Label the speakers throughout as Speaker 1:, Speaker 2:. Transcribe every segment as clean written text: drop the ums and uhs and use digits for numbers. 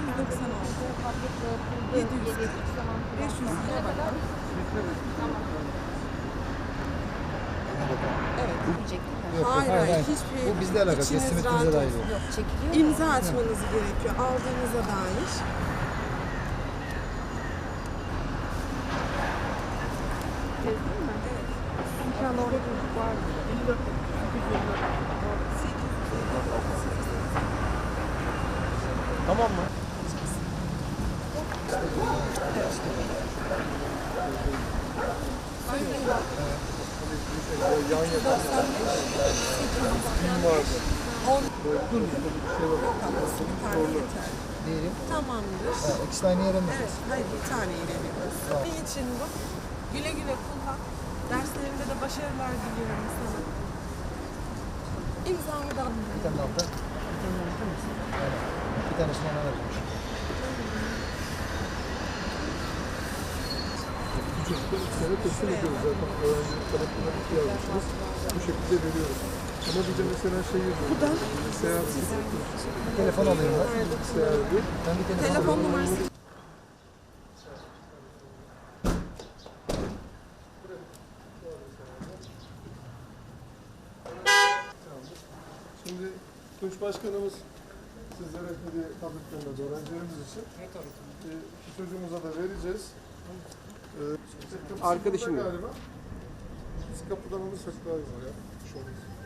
Speaker 1: 590 oldu. 700. 500 lira bakalım. Evet.
Speaker 2: Yok,
Speaker 1: Hayır,
Speaker 2: hayır.
Speaker 1: hiçbir
Speaker 2: Bu bizle alakalı.
Speaker 1: içiniz
Speaker 2: Teslimatınıza
Speaker 1: rahat
Speaker 2: dair.
Speaker 1: olsun.
Speaker 3: Yok, çekiliyor mu?
Speaker 1: İmza atmanız gerekiyor aldığınıza dair.
Speaker 3: İnşallah orada çocuk vardır.
Speaker 2: Tamam mı? Yan yana. Kim vardı?
Speaker 1: 10
Speaker 2: Dur, bir şey var.
Speaker 1: bir tane yeter.
Speaker 2: Diyelim.
Speaker 1: Tamamdır.
Speaker 2: İkisi de aynı yere mi?
Speaker 1: Evet, hayır bir tane veriyoruz. Ne için bu? Güle güle kullan. Derslerinde de başarılar diliyorum sana. İmzamı da alayım.
Speaker 2: Bir tane altta. Bir tanesini ona vermiş.
Speaker 4: Bu çocuklar ilk sene teslim ediyoruz zaten. Öğrencilik tarafından yazmışsınız. Bu şekilde veriyoruz. Ama bir de mesela şey yazıyor. Bilgisayar,
Speaker 2: Bir telefon alayım ben.
Speaker 4: bilgisayardı.
Speaker 2: Ben bir telefon
Speaker 1: Telefon
Speaker 2: alayım.
Speaker 1: numarası.
Speaker 4: Şimdi Tunç Başkanımız sizlere hediye tabletlerinde öğrencilerimiz için bir çocuğumuza da vereceğiz. Arkadaşım galiba. Biz kapıdan alırsak daha iyi olur ya. Şu an.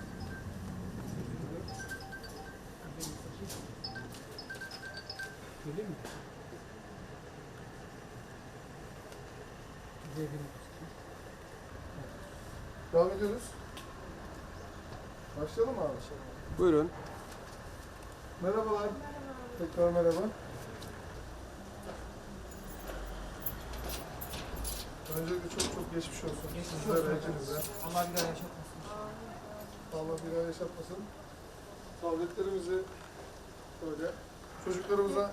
Speaker 4: Devam ediyoruz. Başlayalım mı abi?
Speaker 5: Buyurun.
Speaker 4: Merhabalar. Tekrar merhaba. Öncelikle çok geçmiş olsun. Sizlere, hepinize.
Speaker 5: Allah bir daha yaşatmasın.
Speaker 4: Allah bir daha yaşatmasın. Tabletlerimizi böyle çocuklarımıza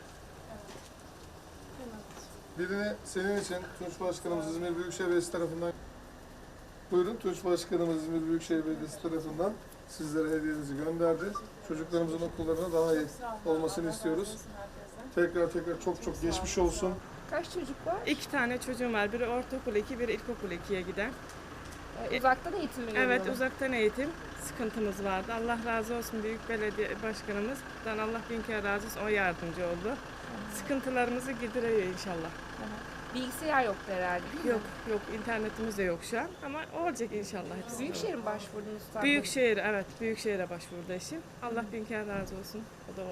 Speaker 4: birini senin için Tunç Başkanımız İzmir Büyükşehir Belediyesi tarafından buyurun Tunç Başkanımız İzmir Büyükşehir Belediyesi tarafından sizlere hediyenizi gönderdi. Çocuklarımızın okullarına daha iyi olmasını istiyoruz. Tekrar çok geçmiş olsun.
Speaker 3: Kaç çocuk var?
Speaker 6: 2 tane çocuğum var. Biri ortaokul 2, biri ilkokul 2'ye giden.
Speaker 3: Uzaktan eğitim mi
Speaker 6: Evet,
Speaker 3: görüyorlar?
Speaker 6: uzaktan eğitim sıkıntımız vardı. Allah razı olsun büyük belediye başkanımızdan. Allah bin kere razı olsun. O yardımcı oldu. Sıkıntılarımızı gideriyor inşallah.
Speaker 3: Bilgisayar yoktu herhalde değil mi?
Speaker 6: Yok, internetimiz de yok şu an ama olacak inşallah hepsi.
Speaker 3: Büyükşehir'e mi başvurdunuz?
Speaker 6: Büyükşehir, evet. Büyükşehir'e başvurdu eşim. Allah bin kere razı olsun. O da